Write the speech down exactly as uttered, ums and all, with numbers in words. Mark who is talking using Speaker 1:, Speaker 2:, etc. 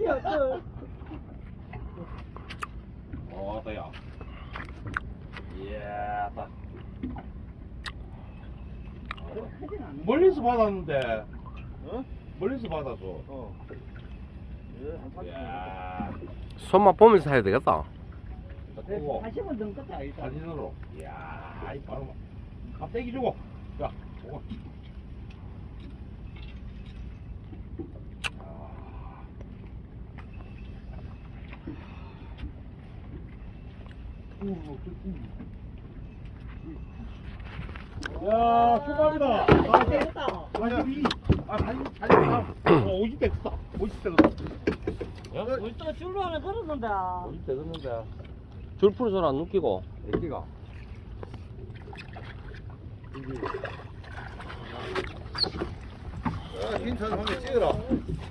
Speaker 1: 어, 따야. 이야, 따. 멀리서 받았는데.
Speaker 2: 어?
Speaker 1: 멀리서 받아서.
Speaker 2: 어. 예, 한 삼십
Speaker 1: 이야.
Speaker 3: 손맛 보면서 해야 되겠다.
Speaker 1: 끄고
Speaker 4: 다시 한번 더 껐다 일단.
Speaker 1: 사진으로. 이야, 이 바로 갑자기 주고. 자, 오고. 야, 출발이다. 아,
Speaker 4: 됐다.
Speaker 1: 사십이. 아, 사십, 사십삼. 어, 오십 대 됐다. 오십 대 됐다.
Speaker 4: 야, 우리 또 줄로 하나 걸었는데.
Speaker 1: 오십 대 됐는데.
Speaker 3: 줄 풀어서 안 웃기고.
Speaker 1: 애기가. 야, 힌트 한번 찍어라.